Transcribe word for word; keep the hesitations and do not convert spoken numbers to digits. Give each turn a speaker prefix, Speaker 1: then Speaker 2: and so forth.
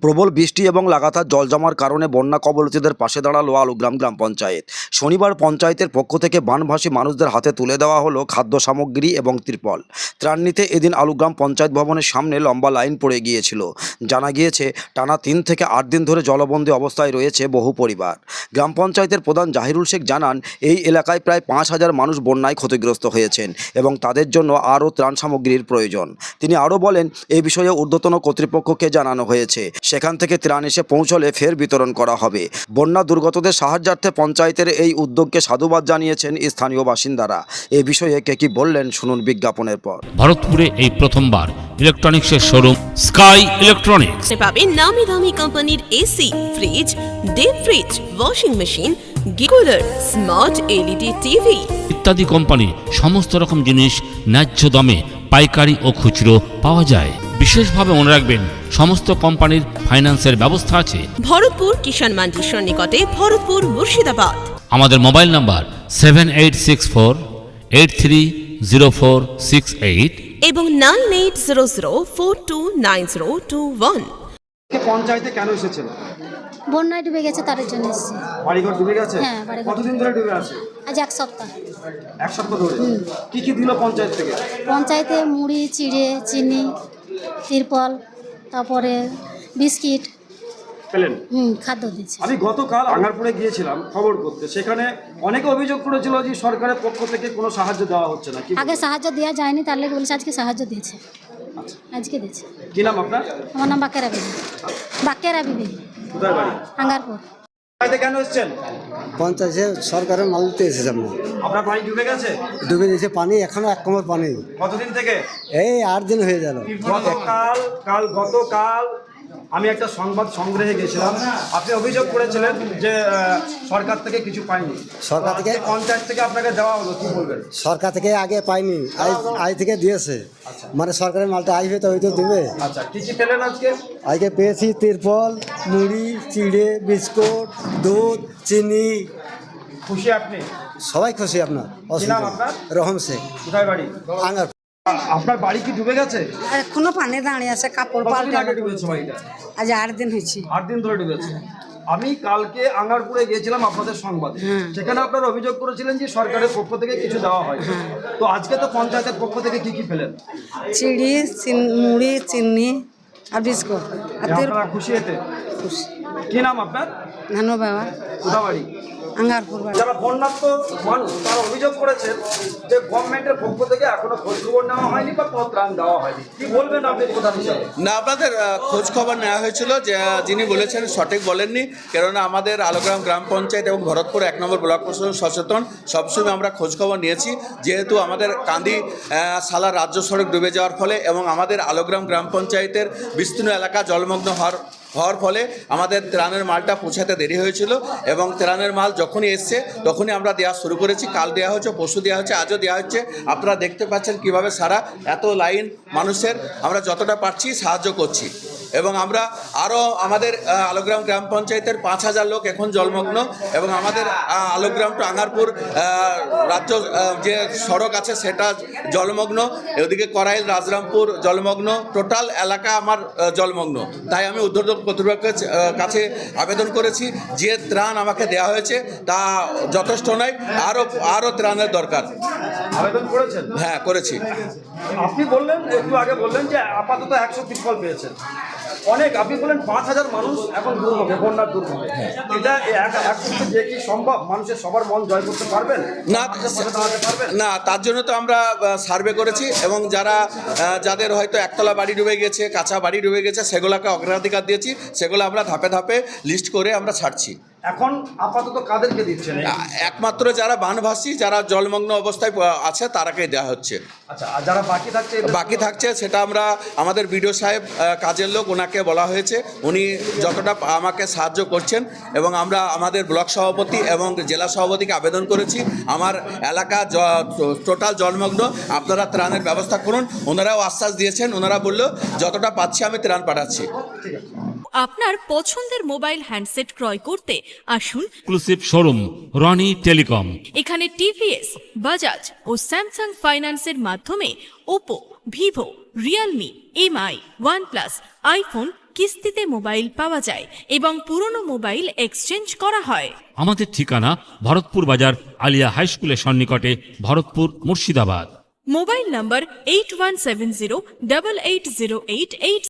Speaker 1: প্রবল বৃষ্টি এবং লাগাতার জল জমার কারণে বন্যা কবলিতদের পাশে দাঁড়ালো আলুগ্রাম গ্রাম পঞ্চায়েত। শনিবার পঞ্চায়েতের পক্ষ থেকে বানভাসী মানুষদের হাতে তুলে দেওয়া হলো খাদ্য সামগ্রী এবং ত্রিপল। ত্রাণ নিতে এদিন আলুগ্রাম পঞ্চায়েত ভবনের সামনে লম্বা লাইন পড়ে গিয়েছিল। জানা গিয়েছে টানা তিন থেকে আট দিন ধরে জলবন্দী অবস্থায় রয়েছে বহু পরিবার। গ্রাম পঞ্চায়েতের প্রধান জাহিরুল শেখ জানান, এই এলাকায় প্রায় পাঁচ হাজার মানুষ বন্যায় ক্ষতিগ্রস্ত হয়েছেন এবং তাদের জন্য আরও ত্রাণ সামগ্রীর প্রয়োজন। তিনি আরও বলেন, এই বিষয়ে ঊর্ধ্বতন কর্তৃপক্ষকে জানানো হয়েছে, সেখান থেকে ত্রাণ এসে পৌঁছলে ফের বিতরণ করা হবে। বন্যা দুর্গতদের সাহায্যার্থে পঞ্চায়েতের এই উদ্যোগকে সাধুবাদ জানিয়েছেন স্থানীয় বাসিন্দারা। এ বিষয়ে কে কি বললেন শুনুন বিজ্ঞাপনের পর।
Speaker 2: ভারতপুরে এই প্রথমবার ইলেকট্রনিক্সের শোরুম স্কাই ইলেকট্রনিক্স
Speaker 3: পাবেন নামি দামি কোম্পানির AC, fridge, deep fridge, washing machine, গিকুলার, স্মার্ট এলইডি টিভি
Speaker 2: ইত্যাদি কোম্পানির সমস্ত রকম জিনিস ন্যায্য দামে পাইকারি ও খুচরো পাওয়া যায়। বিশেষভাবে মনে রাখবেন, সমস্ত কোম্পানির ফাইন্যান্সের ব্যবস্থা আছে।
Speaker 3: ভরতপুর কিষাণ মান্ডির সন্নিকটে, ভরতপুর, মুর্শিদাবাদ।
Speaker 2: আমাদের mobile number seven eight six four eight three zero four six eight
Speaker 3: এবং nine eight zero zero four two nine zero two one.
Speaker 1: পঞ্চায়েতে কেন এসেছেন?
Speaker 4: বন্যায় ডুবে গেছে, তার জন্য এসেছি।
Speaker 1: বাড়িঘর ডুবে গেছে?
Speaker 4: হ্যাঁ, বাড়িঘর।
Speaker 1: কতদিন ধরে ডুবে আছে?
Speaker 4: আজ এক সপ্তাহ।
Speaker 1: এক সপ্তাহ ধরে। কি কি দিল পঞ্চায়েত থেকে?
Speaker 4: পঞ্চায়েতে মুড়ি, চিড়ে, চিনি, তিরপল, তারপরে বিস্কিট
Speaker 1: পেলেন?
Speaker 4: হুম খাদ্য দিচ্ছে।
Speaker 1: আমি গতকাল আঙ্গারপুরে গিয়েছিলাম খবর করতে, সেখানে অনেকে অভিযোগ করেছিল যে সরকারের পক্ষ থেকে কোনো সাহায্য দেওয়া হচ্ছে না। কি
Speaker 4: আগে সাহায্য দেওয়া যায়নি, তার লেগে বলেছে আজকে সাহায্য দিয়েছে। আজকে দিয়েছে।
Speaker 1: কি নাম আপনার?
Speaker 4: আমার নাম বাকেরা বিবি। বাকেরা বিবি।
Speaker 1: কোথায় বাড়ি?
Speaker 4: আঙ্গারপুর।
Speaker 1: পঞ্চায়েতে কেন এসেছেন?
Speaker 5: পঞ্চায়েতে সরকারের মাল দিতে এসেছে। আমরা
Speaker 1: আপনার বাড়ি ডুবে গেছে?
Speaker 5: ডুবে দিয়েছে পানি, এখনো এক কোমর পানি।
Speaker 1: কতদিন থেকে?
Speaker 5: এই আট দিন হয়ে গেল।
Speaker 1: গতকাল কাল গতকাল আমি একটা সংবাদ সংগ্রহে গেছিলাম, আপনি অভিযোগ করেছিলেন যে আহ, সরকার থেকে কিছু পাইনি।
Speaker 5: সরকার থেকে
Speaker 1: পঞ্চায়েত থেকে আপনাকে দেওয়া হলো, কি বলবেন?
Speaker 5: সরকার থেকে আগে পাইনি, আজ আজ থেকে দিয়েছে। মানে সরকারের মালটা আসবে তো ওই তো দেবে।
Speaker 1: আচ্ছা, কি কি পেলেন আজকে?
Speaker 5: আজকে পেয়েছি তিরপল, মুড়ি, চিড়ে, বিস্কুট, দুধ, চিনি।
Speaker 1: খুশি আপনি?
Speaker 5: সবাই খুশি। আপনার
Speaker 1: কি নাম আপনার?
Speaker 5: রহম শেখ।
Speaker 1: কোথায় বাড়ি?
Speaker 5: আঙ্গার।
Speaker 1: আপনার বাড়ি কি ডুবে গেছে?
Speaker 6: এখনো পানি দাঁড়িয়ে আছে, কাপড়
Speaker 1: কতদিন
Speaker 6: পাল্টে
Speaker 1: আগে ডুবেছে বাড়িটা?
Speaker 6: আজ আট দিন হয়েছে।
Speaker 1: আট দিন ধরে ডুবেছে। আমি কালকে আঙ্গারপুরে গিয়েছিলাম আপনাদের সংবাদে, সেখানে আপনারা অভিযোগ করেছিলেন যে সরকারের পক্ষ থেকে কিছু দেওয়া হয়। তো আজকে তো পঞ্চায়েতের পক্ষ থেকে কি কি পেলেন?
Speaker 6: চিড়ি, চিন- মুড়ি, চিনি আর বিস্কুট আর তেল।
Speaker 1: আপনারা খুশি এতে?
Speaker 6: খুশি।
Speaker 1: কি নাম আপনার?
Speaker 6: ধানো বাবা,
Speaker 1: কোথা বাড়ি?
Speaker 6: আঙ্গারপুর বাড়ি।
Speaker 1: যারা বন্যার্থ মানুষ তারা অভিযোগ করেছেন যে গভর্নমেন্টের পক্ষ থেকে এখনো খোঁজ খবর নেওয়া হয়নি বা কোনো ত্রাণ দেওয়া হয়নি। কি বলবেন আপনি প্রধান হিসাবে?
Speaker 7: না, আপনাদের আহ, খোঁজ খবর নেওয়া হয়েছিল, যে আহ, যিনি বলেছেন সঠিক বলেননি। কেননা আমাদের আলোগ্রাম গ্রাম পঞ্চায়েত এবং ভরতপুর এক নম্বর ব্লক প্রশাসন সচেতন, সবসময় আমরা খোঁজ খবর নিয়েছি। যেহেতু আমাদের কান্দি আহ, সালা রাজ্য সড়ক ডুবে যাওয়ার ফলে এবং আমাদের আলোগ্রাম গ্রাম পঞ্চায়েতের বিস্তীর্ণ এলাকা জলমগ্ন হওয়ার হওয়ার ফলে আমাদের ত্রাণের মালটা পৌঁছাতে দেরি হয়েছিল এবং ত্রাণের মাল যখনই এসছে তখনই আমরা দেওয়া শুরু করেছি। কাল দেওয়া হচ্ছে, পরশু দেওয়া হচ্ছে, আজও দেওয়া হচ্ছে। আপনারা দেখতে পাচ্ছেন কিভাবে সারা এত লাইন মানুষের আমরা যতটা পারছি সাহায্য করছি। এবং আমরা আরও আমাদের আহ, আলোগ্রাম গ্রাম পঞ্চায়েতের পাঁচ হাজার লোক এখন জলমগ্ন এবং আমাদের আহ, আলোগ্রাম টু আঙ্গারপুর আহ, রাজ্য আহ, যে সড়ক আছে সেটা জলমগ্ন। এদিকে করাইল, রাজরামপুর জলমগ্ন, টোটাল এলাকা আমার আহ, জলমগ্ন। তাই আমি ঊর্ধ্বতন কর্তৃপক্ষের আহ, কাছে আবেদন করেছি, যে ত্রাণ আমাকে দেওয়া হয়েছে তা যথেষ্ট নয়, আরও আরও ত্রাণের দরকার।
Speaker 1: আবেদন করেছেন?
Speaker 7: হ্যাঁ, করেছি।
Speaker 1: আপনি বললেন, একটু আগে বললেন যে আপাতত একশো তিরপল পেয়েছেন। অনেক আপনি বলেন পাঁচ হাজার মানুষ এখন দুর্ভোগে, বন্যার দুর্ভোগে। এটা এক- এক পক্ষে যে কি সম্ভব? মানুষের সবার মন জয় করতে পারবেন?
Speaker 7: না,
Speaker 1: পাশে দাঁড়াতে পারবেন?
Speaker 7: না, তার জন্য তো আমরা সার্ভে করেছি এবং যারা আহ, যাদের হয়তো একতলা বাড়ি ডুবে গেছে, কাঁচা বাড়ি ডুবে গেছে, সেগুলোকে অগ্রাধিকার দিয়েছি। সেগুলো আমরা ধাপে ধাপে লিস্ট করে আমরা ছাড়ছি।
Speaker 1: এখন আপাতত কাদেরকে দিচ্ছেন?
Speaker 7: আ- একমাত্র যারা বানভাসী, যারা জলমগ্ন অবস্থায় আহ, আছে তারাকেই দেওয়া হচ্ছে।
Speaker 1: আচ্ছা, আর যারা বাকি থাকছে?
Speaker 7: বাকি থাকছে সেটা আমরা আমাদের বিডিও সাহেব আহ, কাজের লোক, ওনাকে বলা হয়েছে, উনি যতটা পা- আমাকে সাহায্য করছেন এবং আমরা আমাদের ব্লক সভাপতি এবং জেলা সভাপতিকে আবেদন করেছি, আমার এলাকা টোটাল জলমগ্ন, আপনারা ত্রাণের ব্যবস্থা করুন। ওনারাও আশ্বাস দিয়েছেন, ওনারা বলল যতটা পাচ্ছি আমি ত্রাণ পাঠাচ্ছি।
Speaker 8: আপনার পছন্দের মোবাইল হ্যান্ডসেট ক্রয় করতে আসুন
Speaker 2: এক্সক্লুসিভ শোরুম রনি টেলিকম।
Speaker 8: এখানে টিভিএস, বাজাজ ও স্যামসাং ফাইন্যান্সের মাধ্যমে Oppo, Vivo, Realme, MI, OnePlus, iPhone কিস্তিতে মোবাইল পাওয়া যায় এবং পুরনো মোবাইল এক্সচেঞ্জ করা হয়।
Speaker 2: আমাদের ঠিকানা ভরতপুর বাজার আলিয়া হাই স্কুলের সন্নিকটে, Bharatpur, Murshidabad.
Speaker 8: Mobile number eight one seven zero double eight zero eight eight